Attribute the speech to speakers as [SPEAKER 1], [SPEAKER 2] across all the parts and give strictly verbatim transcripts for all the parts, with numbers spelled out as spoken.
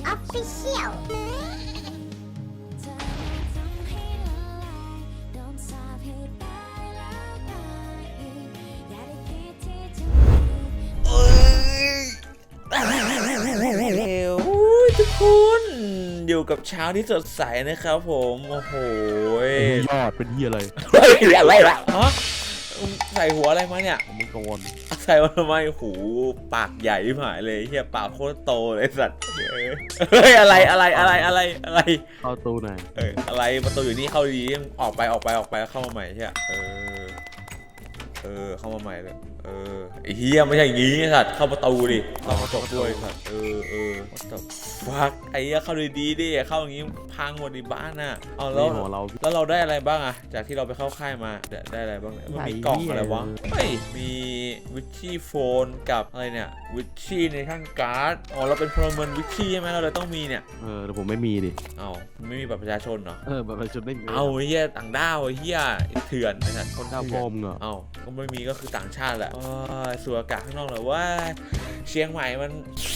[SPEAKER 1] Official
[SPEAKER 2] ทุกคนอยู่กับเช้าที่สดใสนะครับผมโอ้โห
[SPEAKER 3] ยอดเป็นเฮียอะไร
[SPEAKER 2] ฮะใส่หัวอะไรมาเนี่ย
[SPEAKER 3] มึงกังวล
[SPEAKER 2] ใส่มาทำไมหูปากใหญ่หายเลยเฮียปากโคตรโตเลยสัตว์เฮ้ยอะไรอะไรอะไรอะไรอะไร
[SPEAKER 3] เข้าตู้ไหน
[SPEAKER 2] เอออะไรประตูอยู่นี่เข้าดีออกไปออกไปออกไปแล้วเข้ามาใหม่ใช่ไหมเออเออเข้ามาใหม่เลยเออไอ้เฮียไม่ใช่อย่างงี้สัตว์เข้าประตูดิเราจบด้วยสัตว์เออเออวัดฟักไอ้เฮียเข้าดีๆดิเข้าอย่างงี้พังหมดในบ้านน่ะเอาแล้วแล้วเราได้อะไรบ้างอะจากที่เราไปเข้าค่ายมาได้อะไรบ้างมันมีกล่องอะไรวะเฮ้ยมีวิชชี่โฟนกับอะไรเนี่ยวิชชี่ในท่านการ์ดอ๋อเราเป็นพลเมืองวิชชี่ใช่ไหมเราเลยต้องมีเนี่ย
[SPEAKER 3] เออแต่ผมไม่มีดิ
[SPEAKER 2] เอ้าไม่มีบัตรประชาชนเหรอ
[SPEAKER 3] เออบัตรประชาชนไม่มี
[SPEAKER 2] เอาเฮียต่างด้าวเฮียเถื่อนนะคน
[SPEAKER 3] ด้าวโฟมเหรอ
[SPEAKER 2] เอ้าก็ไม่มีก็คือต่างชาติแหละสูดอากาศข้างนอกเลยว่าเชียงใหม่มัน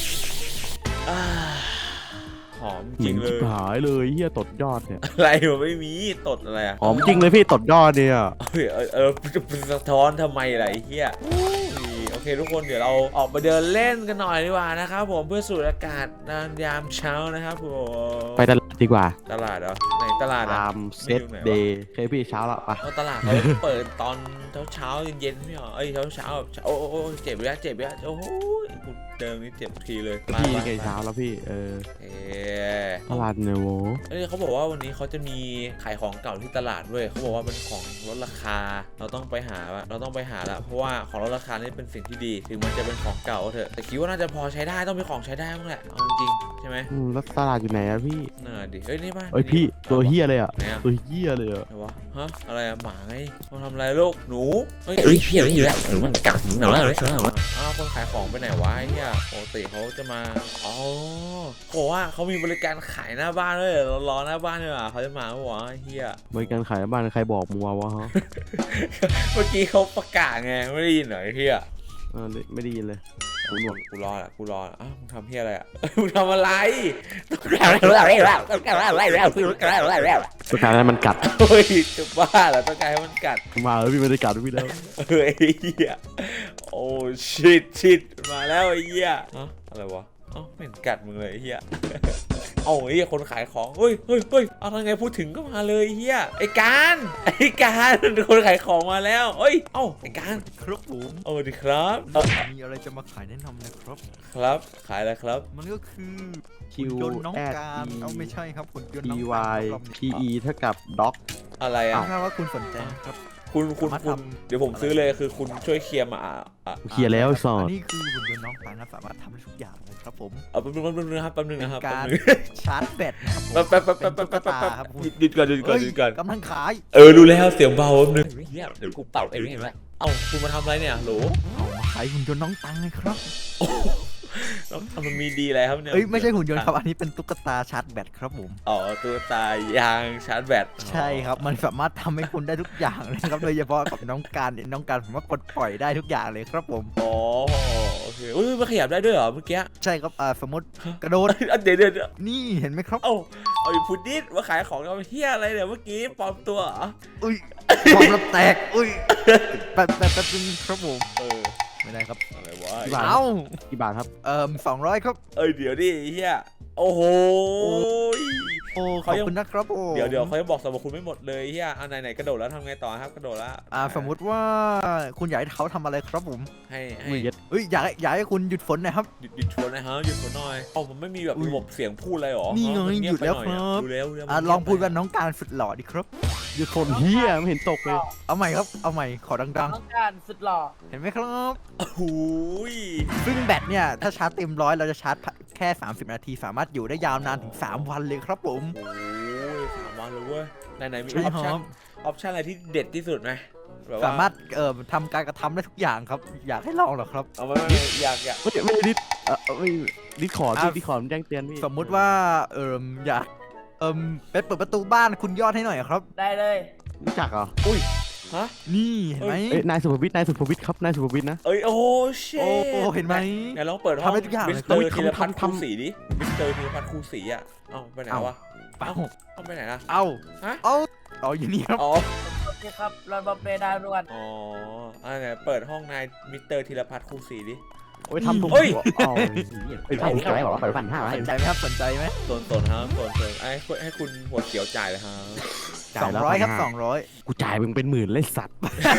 [SPEAKER 2] หอมจริงเลย
[SPEAKER 3] หายเลยเฮียตดยอดเนี่ย
[SPEAKER 2] อะไรมันไม่มีตดอะไรอะ
[SPEAKER 3] หอมจริงเลยพี่ตดยอดเนี่ย
[SPEAKER 2] เออเออจะสะท้อนทำไมล่ะไอ้เฮียโอเคทุกคนเดี๋ยวเราออกไปเดินเล่นกันหน่อยดีกว่านะครับผมเพื่อสูดอากาศยามเช้านะครับผม
[SPEAKER 3] ไปตลาดดีกว่า
[SPEAKER 2] ตลาดเหรอไหนตลาด
[SPEAKER 3] ตามเซตเดย์เคยพี่เช้าละปะ
[SPEAKER 2] ตลาดเขาเปิดตอนเช้าเช้าเย็นๆไม่หรอเอ้ยเช้าเช้าโอ้โอ้เจ็บแล้วเจ็บแล้วโอ้โหเดิมนี่เจ็บทีเลย
[SPEAKER 3] พี่ไงเช้าแล้วพี่เออเออตลาดเนโว
[SPEAKER 2] เอ้ยเขาบอกว่าวันนี้เขาจะมีขายของเก่าที่ตลาดด้วยเขาบอกว่าเป็นของลดราคาเราต้องไปหาเราต้องไปหาละเพราะว่าของลดราคานี่เป็นสิ่งที่ดีถึงมันจะเป็นของเก่าเถอะแต่คิดว่าน่าจะพอใช้ได้ต้องมีของใช้ได้บ้างแหละเอาจริงใช่ไหม
[SPEAKER 3] อืมแล้วตลาดอยู่ไหนอะพี่
[SPEAKER 2] น่าดิเฮ้ยนี่ป่ะ
[SPEAKER 3] เฮ้ยพี่ตัวเฮียเลยอะตัวเฮียเลยอะ
[SPEAKER 2] อะไรวะฮะอะไรอะหมาไงมาทำอะไรลูกหนู
[SPEAKER 4] เฮ้ยพี่อะไรอยู่แล้วหรือมันกัดหนาวเลยใช่ไหม
[SPEAKER 2] อ้าวคนขายของไปไหนวะไอ้เหี้ยปกติเขาจะมาอ๋อเขาบอกว่าเขามีบริการขายหน้าบ้านด้วยเรารอหน้าบ้านด้วยอ่ะเขาจะมาหัวไอ้เหี้ย
[SPEAKER 3] บริการขายหน้าบ้านใครบอกมัววะฮะ
[SPEAKER 2] เมื่อกี้เขาประกาศไงไม่ได้ยินเหรอไอ้เหี้ย
[SPEAKER 3] เออไม่ได้ยินเลย
[SPEAKER 2] กูหนวดกูรออ่ะกูรออ้าวมึงทำเหี้ยอะไรอ่ะมึงทำอะไร
[SPEAKER 4] ต้องการอะไรแล้วต้องการอะไรแล้วต้องการอะไรแล้ว
[SPEAKER 3] ต้องการให้มันกัด
[SPEAKER 2] เฮ้ยจะบ้าเหรอต้องการให้มันกัด
[SPEAKER 3] มาแล้วพี่ไม่ได้กัดพี่แล้ว
[SPEAKER 2] เฮ้ยไอ้เหี้ยโอ้ชิดชิดมาแล้วไอ้เหี้ยอะไรวะเอ้าไม่เห็นกัดมึงเลยไอ้เหี้ยเอาไอ้เหี้ยคนขายของเฮ้ยเฮ้ยเฮ้ยเอาทางไงพูดถึงก็มาเลยเฮียไอ้การไอ้การคนขายของมาแล้วเฮ้ยเอ้าไอ้การ
[SPEAKER 5] ครับผม
[SPEAKER 2] โอ้ดีครับ
[SPEAKER 5] มีอะไรจะมาขายแนะนำนะครับ
[SPEAKER 2] ครับขายอะไรครับ
[SPEAKER 5] มันก็คือ
[SPEAKER 3] คิว
[SPEAKER 5] น้องการเอาไม่ใช่ครับคุณยนต์น้อง
[SPEAKER 3] การ พี อี เท่ากับด็อก
[SPEAKER 2] อะไรอ่ะ
[SPEAKER 5] ถ้าว่าคุณสนใจครับ
[SPEAKER 2] คุณคุณคุณเดี๋ยวผมซื้อเลยคือคุณช่วยเคลียร์มาอ่ะ
[SPEAKER 3] เคลียร์แล้วสอน
[SPEAKER 5] นี่คือหุ่นยนต์น้องการสามารถทำได้ทุกอย่างเลยครับผม
[SPEAKER 2] เอาแป๊บนึงแป๊บนึงนะครับแป๊บนึงนะครับ
[SPEAKER 5] การชาร์จแบตนะครับ
[SPEAKER 2] แป๊บแป๊บแป๊บแป๊บแป๊บแป๊บแป๊บหยุดก่อนหยุดก่อนหยุดก่อน
[SPEAKER 5] กำลังขาย
[SPEAKER 2] เออรู้แล้วเสียงเบาแป๊บนึง
[SPEAKER 4] เดี๋ยวกูเป่าเองเห็นไหม
[SPEAKER 2] เอ้าคุณมาทำอะไรเนี่ยโหล
[SPEAKER 5] เอามาขายหุ่นยนต์น้องตังไงครับ
[SPEAKER 2] มันมีดีอะไรครับเนี่ย
[SPEAKER 5] เอ้ยไม่ใช่หุ่นยนต์ครับอันนี้เป็นตุ๊กตาชาร์จแบตครับผม
[SPEAKER 2] อ๋อตุ๊กตายางชาร์จแบต
[SPEAKER 5] ใช่ครับมันสามารถทำให้คุณได้ทุกอย่างเลยครับโดยเฉพาะกับน้องการน้องการผมว่ากดปล่อยได้ทุกอย่างเลยครับผม
[SPEAKER 2] อ๋อโอเคอุ้ยมันขยับได้ด้วยเหรอเมื่อกี้
[SPEAKER 5] ใช่ครับอ่าสมมติกระโดด
[SPEAKER 2] เดี๋ยวเดี๋ยว
[SPEAKER 5] นี่เห็นไหมครับ
[SPEAKER 2] เอ้าเอาอีพุดดิ้มาขายของเราเฮียอะไรเนี่ยเมื่อกี้ปลอมตัวเหรอ
[SPEAKER 5] อุ้ยปลอมแล้วแตกอุ้ยแป๊บแป๊บแป๊บนึงครับผม
[SPEAKER 2] เออ
[SPEAKER 5] ไม่ได้ครับ
[SPEAKER 2] อะไรวะ
[SPEAKER 5] เอ้า
[SPEAKER 3] กี่บาทครับ
[SPEAKER 5] เอ่อสองร้อยครับ
[SPEAKER 2] เอ้ยเดี๋ยวดิเฮียโอ้โห
[SPEAKER 5] โอ้ขอบคุณนะครับโอ้
[SPEAKER 2] เดี๋ยวเดี๋ยวเขาจะบอกสมบัติคุณไม่หมดเลยเฮียอันไหนไหนกระโดดแล้วทำไงต่อครับกระโดดแล้ว
[SPEAKER 5] อ่าสมมุติว่าคุณอยากให้เขาทำอะไรครับผม
[SPEAKER 2] ให้ให้
[SPEAKER 5] เฮ้ยอยากอยากให้คุณหยุดฝนหน่อยครับ
[SPEAKER 2] หยุดหยุดฝนนะฮะหยุดฝนหน่อยเอ้ามันไม่มีแบบระบบเสียงพูดอะไรหรอ
[SPEAKER 5] นี่ไงหยุดแล้วครับ
[SPEAKER 2] ดูแล้ว
[SPEAKER 5] อ่าลองพูดว่าน้องการสุดหล่อดิครับ
[SPEAKER 3] หยุดฝนเฮียไม่เห็นตกเลย
[SPEAKER 5] เอาใหม่ครับเอาใหม่ขอดังๆ
[SPEAKER 4] น้องการสุดหล่อ
[SPEAKER 5] เห็นไหมครับ
[SPEAKER 2] โอ้โห
[SPEAKER 5] ซึ่งแบตเนี่ยถ้าชาร์จเต็มร้อยเราจะชาร์จแค่สามสิบนาทีสามารถอยู่ได้ยาวนานถึงสามวันเลยครับผม
[SPEAKER 2] โอ้ยสามวันเลยเว้ยไหนไหนมีออปชั่นออปชั่นอะไรที่เด็ดที่สุดไหม
[SPEAKER 5] สามารถเอ่อทำการกระทำได้ทุกอย่างครับอยากให้ลองหรอครับ
[SPEAKER 2] เอาไม่อยากอยาก
[SPEAKER 3] ไม่ไม่ดิสเออไม่ดิสขอดิดิสขอแจ้งเตือนพี่
[SPEAKER 5] สมมุติว่าเอ่ออยากเอ่อไปเปิดประตูบ้านคุณยอดให้หน่อยครับ
[SPEAKER 4] ได้เลย
[SPEAKER 3] รู้จักเหรอ
[SPEAKER 2] อุ้ยฮะ
[SPEAKER 5] นี่เห็นไหม
[SPEAKER 3] เอ้ยนายสุภวิทย์นายสุภวิทย์ครับนายสุภวิทย์นะ
[SPEAKER 2] เอ้ยโอ้เช่
[SPEAKER 5] โอ้โอ้เห็นไหม
[SPEAKER 2] ไหนลองเปิดห้อง
[SPEAKER 5] ทำได้ทุกอย่าง
[SPEAKER 2] มิ
[SPEAKER 5] เล
[SPEAKER 2] ส
[SPEAKER 5] ย
[SPEAKER 2] เตอร์
[SPEAKER 3] เฮ้ย
[SPEAKER 2] ธีรพัฒน์
[SPEAKER 3] ทำทำ
[SPEAKER 2] คู่สีดิมิสเตอร์ธีรพัฒน์คู่สีอ่ะเอ้าไปไหนวะ
[SPEAKER 5] เอ้า
[SPEAKER 2] เอ้าไปไหนนะ
[SPEAKER 5] เอ้า
[SPEAKER 2] ฮะ
[SPEAKER 5] เอ้าอ๋ออยู่นี่ครับ
[SPEAKER 2] อ๋อ
[SPEAKER 4] โอเคครับเราบอเปดารวน
[SPEAKER 2] อ๋ออันไหนเปิดห้องนายมิสเตอร์ธีรพัฒน์คู่สีดิ
[SPEAKER 3] โอ้ยทำถูก
[SPEAKER 2] เฮ้ย
[SPEAKER 3] อ๋อ
[SPEAKER 4] ไอ้ไอ้บอกว่าเปิดพันห้า
[SPEAKER 5] สนใจไหมครับสนใจไหม
[SPEAKER 2] สนสนครับสนสนไอ้ให้ให้คุณหัวเขียวจ่ายเลยครับ
[SPEAKER 5] สองร้อยครับสองร้อย
[SPEAKER 3] กูจ่ายมึงเป็นหมื่นเลยสัตว์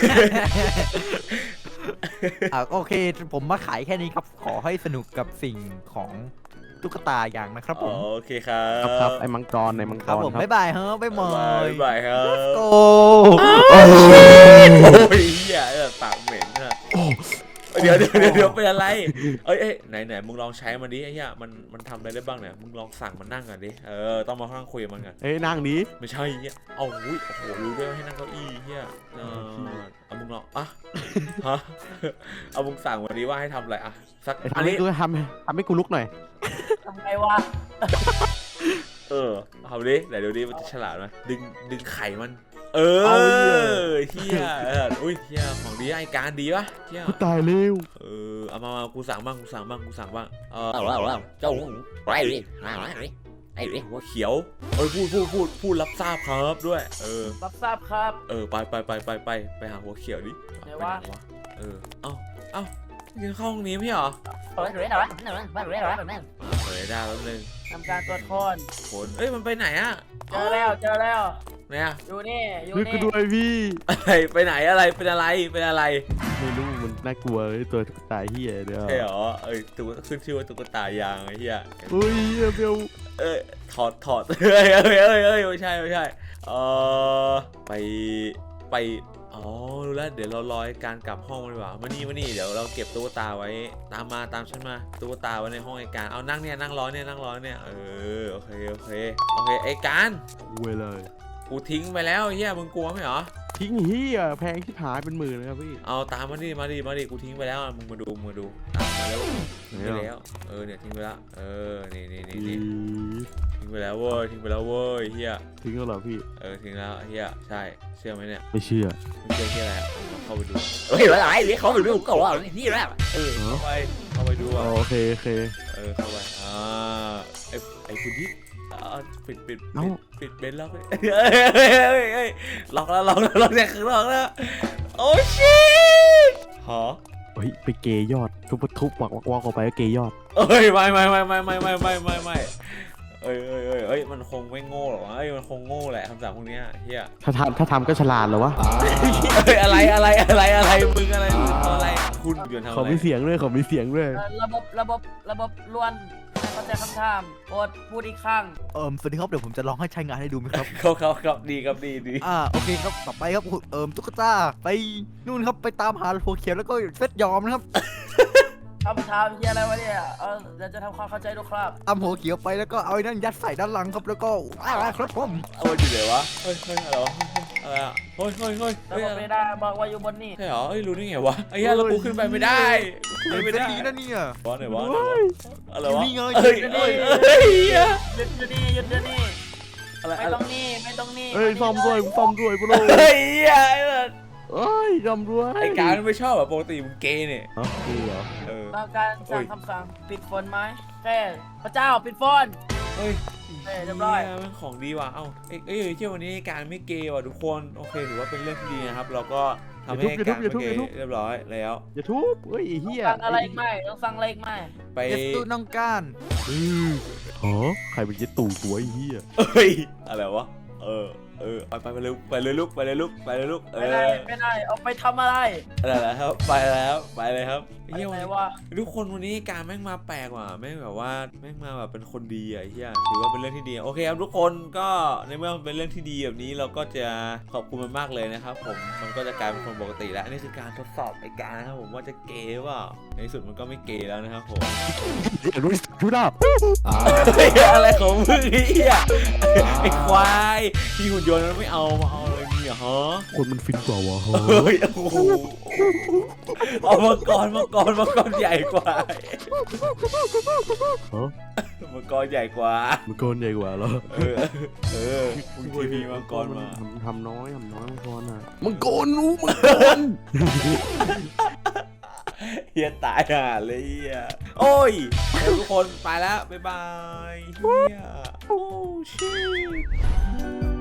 [SPEAKER 5] อ่ะโอเค ผมมาขายแค่นี้ครับ ขอให้สนุกกับสิ่งของตุ๊กตาอย่างนะครับผม
[SPEAKER 2] โอเคครั
[SPEAKER 3] ครับ
[SPEAKER 2] บ
[SPEAKER 3] ครับไอ้มังกรไอ้มัง
[SPEAKER 5] ค
[SPEAKER 3] ก
[SPEAKER 5] รับ
[SPEAKER 3] ร
[SPEAKER 5] ผม
[SPEAKER 3] ครับ
[SPEAKER 5] บ๊ายบายเฮ้ยบ๊ายบา
[SPEAKER 2] บาย
[SPEAKER 5] ย
[SPEAKER 2] บายครับ
[SPEAKER 5] โอ้
[SPEAKER 2] โอ้ยเหี้ยเออปากเหม็นอะเดี๋ยวเดี๋ยวเดี๋ยวเดี๋ยวเป็นอะไร เอ้ยเอ้ยไหนไหนมึงลองใช้มันดิไอ้เหี้ยมันมันทำอะไรได้บ้างเนี่ยมึงลองสั่งมันนั่งก่อนดิเออต้องมานั่งคุยกับมันก่อน
[SPEAKER 3] เอ้ยนั่งนี้
[SPEAKER 2] ไม่ใช่เหี้ยเอาอุ้ยโอ้โหรู้ด้วยว่าให้นั่งเก้าอี้เหี้ยเออเอามึงลองอ่ะฮะเอามึงสั่งวันนี้ว่าให้ทำอะไรอ่ะสัก
[SPEAKER 3] ไอ้
[SPEAKER 2] อัน
[SPEAKER 3] ทำให้
[SPEAKER 2] นี้
[SPEAKER 3] กูทำทำให้กูลุกหน่อย
[SPEAKER 4] ทำไงวะ
[SPEAKER 2] เออเอาดิไหนเดี๋ยวนี้มันจะฉลาดไหมดึงดึงไข่มัน เอ
[SPEAKER 3] เอา
[SPEAKER 2] อเฮียเอออุ้ยเฮียของดีไอการดีปะเฮีย
[SPEAKER 3] กูตายเร็ว
[SPEAKER 2] เออเอามามากูสั่งบ้างกูสั่งบ้างกูสั่งบ้างเออ
[SPEAKER 4] เอาเอาเอาเจ้าไรดิมาไรไอ้ดิ
[SPEAKER 2] หัวเขียวเอ้ยพูดพูดพูดพูดรับทราบครับด้วยเออ
[SPEAKER 4] รับทราบครับ
[SPEAKER 2] เออไปไปไปไปไปไปหาหัวเขียวดิ
[SPEAKER 4] ไหน
[SPEAKER 2] ไป
[SPEAKER 4] วะ
[SPEAKER 2] ไหนวะเออเอ้าเอ้ายืนเข้าห้องนี้ไม่เหรอ
[SPEAKER 4] เฮ้ยเฮ้ยเฮ้ยเฮ้ยเฮ้ยเฮ้ยเฮ้ย
[SPEAKER 2] เฮ้ยได้แป๊บนึง
[SPEAKER 4] ทำการตรวจคน
[SPEAKER 2] คนเอ้ยมันไปไหนอะ
[SPEAKER 4] เจอแล้วเจอแล้ว
[SPEAKER 2] ไหนอะ
[SPEAKER 4] อยู่นี่อยู่
[SPEAKER 3] นึกกู
[SPEAKER 4] นี่
[SPEAKER 3] ด้วยพี่
[SPEAKER 2] อะไรไปไหนอะไรเป็นอะไรเป็นอะไร
[SPEAKER 3] ไม่รู้มันน่ากลัวเลยตัวตุ๊กตาเฮียเดี๋ยว
[SPEAKER 2] ใช่เหรอเอ้ยตุ๊กขึ้นชื่อว่าตุ๊กตายางไอ้เหี้ย
[SPEAKER 3] เฮ้ยเหี้ยเบล
[SPEAKER 2] เอ้ยถอดถอด เอ้ยเอ้ยเอ้ยเอ้ยไม่ใช่ไม่ใช่เออไปไปอ๋อรู้แล้วเดี๋ยวเรารอให้การกลับห้องมันดีกว่ามานี่มานี่เดี๋ยวเราเก็บตุ๊กตาไว้ตามมาตามฉันมาตุ๊กตาไว้ในห้องไอ้การเอานั่งเนี่ยนั่งรอเนี่ยนั่งรอเนี่ยเออโอเคโอเคโอเคไอ้การ
[SPEAKER 3] เวยเลย
[SPEAKER 2] กูทิ้งไปแล้วไอ้เฮียมึงกลัวไหมเหรอ
[SPEAKER 3] ทิ้งเฮียแพงที่หายเป็นหมื่นเลยครับพี่
[SPEAKER 2] เอาตามมาดิมาดิมาดิกูทิ้งไปแล้วมึงมาดูมึงมาดูตามมาแล้วทิ้งไปแล้วเออเนี่ยทิ้งไปแล้วเออนี่นี่นี่นี่ทิ้งไปแล้วเว้ยทิ้งไปแล้วเว้ยเฮีย
[SPEAKER 3] ทิ้งแล้วเหรอพี่
[SPEAKER 2] เออทิ้งแล้วเฮียใช่เชื่อไหมเนี่ย
[SPEAKER 3] ไม่เชื่อ
[SPEAKER 2] ไม่เชื่อที่อะไรอ่ะลองเข้าไปดู
[SPEAKER 4] เฮ้ยอะไรดิเขาอยู่ก่อนนี่แหละ
[SPEAKER 2] เออเข้าไปเข้าไปดู
[SPEAKER 3] อ๋อ
[SPEAKER 2] อ่ะ
[SPEAKER 3] โอเคโอเค
[SPEAKER 2] เออเข้าไปอ่าไอ้ไอ้คุณที่อ่าปิดปิดปิดปิดเบนล็อกเลยเฮ้ยเฮ้ยเฮ้ยเฮ้ยล็อกแล้วล็อกแล้วล็อกเนี่ยคือล็อกแล้วโอ้ชิตฮะ
[SPEAKER 3] เฮ้ยไปเกยยอดทุบทุบวักวักวักออกไปก็เกยยอด
[SPEAKER 2] เอ้ยไม่ไม่ไม่ไม่ไม่ไม่ไม่ไม่ไม่เอ้ยเอ้ยเอ้ยเอ้ยมันคงไม่โง่หรอกวะเอ้ยมันคงโง่แหละคำสั่งพวกเนี้ยเฮีย
[SPEAKER 3] ถ้าทำถ้าทำก็ฉลาดเหรอวะ
[SPEAKER 2] เอ้ยอะไรอะไรอะไรอะไรมึงอะไรมึงอะไรคุณเดือนทำ
[SPEAKER 3] ขอ
[SPEAKER 2] อะไร
[SPEAKER 3] มีเสียงด้วยขอมีเสียงด้วย
[SPEAKER 4] ระบบระบบระบบล้วนเข้าใจคำถามโปรดพูดอีกครั้ง
[SPEAKER 5] เอิมสวัสดีครับเดี๋ยวผมจะลองให้ใช้งานให้ดูไหมครับ
[SPEAKER 2] เขาเขาครับดีครับดีดี
[SPEAKER 5] อ่าโอเคครับต่อไปครับเอิมตุ๊กตาไปนู่นครับไปตามหาหัวเขียวแล้วก็เซตยอมนะครับ
[SPEAKER 4] คำถามเฮียอะไรวะเนี่ยเออเดี๋ยวจะทำความเข้าใจดูครับ
[SPEAKER 5] ตามหัวเขียวไปแล้วก็เอาไอ้นั่นยัดใส่ด้านหลังครับแล้วก็ว้าวครับผม
[SPEAKER 2] เอาไปอยู่ไหนวะเฮ้ยเฮ้ยอะไรวะอะไรอ่ะเฮ้ยเฮ้ยเฮ้ย
[SPEAKER 4] ระ
[SPEAKER 2] เฮ้ย
[SPEAKER 4] บบไม่ได้บอกว่าอยู่บนนี่
[SPEAKER 2] ใช่เหรอเฮ้ยรู้ได้ไงวะไอ้เหี้ยเรากูขึ้นไปไม่ได้ขึ้นไป
[SPEAKER 5] เซ
[SPEAKER 2] ไม่
[SPEAKER 5] ต
[SPEAKER 2] ได้
[SPEAKER 5] นี้นะเนี่ย
[SPEAKER 2] วะไหนวะอะไรวะ
[SPEAKER 5] นี่ไง
[SPEAKER 2] เฮ้ยเฮ้ยเฮ้ย
[SPEAKER 4] หยุดอยู่นี่หยุดอยู่นี่
[SPEAKER 2] อะไร
[SPEAKER 4] ไม่
[SPEAKER 2] อะไร
[SPEAKER 4] ต้องนี่ไม่ต้องนี่
[SPEAKER 3] เฮ้ยซ่อมด้วยซ่อมด้วยพวกเรา
[SPEAKER 2] เฮ้ย
[SPEAKER 3] เอ้ยซ่อมด้วย
[SPEAKER 2] ไอ้การไม่ชอบแบบปกติมึงเกย์เนี่ย
[SPEAKER 3] อ๋อคือเหรอ
[SPEAKER 2] เออ
[SPEAKER 4] ต้องการสั่งคำสั่งปิดฝนไหมแค่พระเจ้าปิดฝน
[SPEAKER 2] เฮ้ย
[SPEAKER 4] เฮ้ยเรียบร้อย
[SPEAKER 2] มันของดีว่ะเอ้าเอ้ยเอ้ยเที่ยววันนี้การไม่เกย์ว่ะทุกคนโอเคถือว่าเป็นเรื่องที่ดีนะครับเราก็ทำให้การไม่เกย์เรียบร้อยแล้ว
[SPEAKER 3] อย่าทุบเฮ้ยไอ้เฮีย
[SPEAKER 4] สั่งอะไรอีกไหมต้องสั่งอะไรอีกไหม
[SPEAKER 2] ไป
[SPEAKER 5] เอสตูน้องก้าน
[SPEAKER 3] เออฮะใครเป็นยัดตู่หัวไอ้เฮีย
[SPEAKER 2] เอ้ยอะไรวะเออเออไปไปไปเลยไปเลยลูกไปเลยลูกไปเลยลูกเอ
[SPEAKER 4] ไม่
[SPEAKER 2] อ
[SPEAKER 4] ได้ไม่ได้เอาไปทำอะไร
[SPEAKER 2] อะไรแล้วไปแล้วไปเลยครับ
[SPEAKER 4] ไป
[SPEAKER 2] เฮีย
[SPEAKER 4] ไหน
[SPEAKER 2] วัน
[SPEAKER 4] วะ
[SPEAKER 2] ทุกคนวันนี้การแม่งมาแปลกว่ะแม่งแบบว่าแม่งมาแบบเป็นคนดีอ่ะเฮียถือว่าเป็นเรื่องที่ดีโอเคครับทุกคนก็ในเมื่อมันเป็นเรื่องที่ดีแบบนี้เราก็จะขอบคุณมันมากเลยนะครับผมมันก็จะกลายเป็นคนปกติแล้วนี่คือการทดสอบไอ้การนะครับผมว่าจะเกย์ว่าในที่สุดมันก็ไม่เกย์แล้วนะครับผม
[SPEAKER 3] เดี๋ยวรู้รู้หน้า
[SPEAKER 2] เฮ้ยอะไรของมึงไอ้เหี้ยไอ้ควายที่หุ่นยนต์มันไม่เอามาเอาอะไรเนี่ยฮะ
[SPEAKER 3] คนมันฟินกว่าวะฮะ
[SPEAKER 2] เฮ้ยโอ้โหเอามาก่อนมาก่อนมาก่อนใหญ่กว่า
[SPEAKER 3] ฮะ
[SPEAKER 2] มังกรใหญ่กว่า
[SPEAKER 3] มังกรใหญ่กว่าเหรอ
[SPEAKER 2] เออเออมึงทีพีมังกรมา
[SPEAKER 3] ทำทำน้อยทำน้อยมังกรอ่ะมังกรรู้มังกร
[SPEAKER 2] เฮียตายห่าเลยเฮียโอ้ยเดี๋ยวทุกคนไปแล้วบ๊ายบายเฮียโอ้ชิ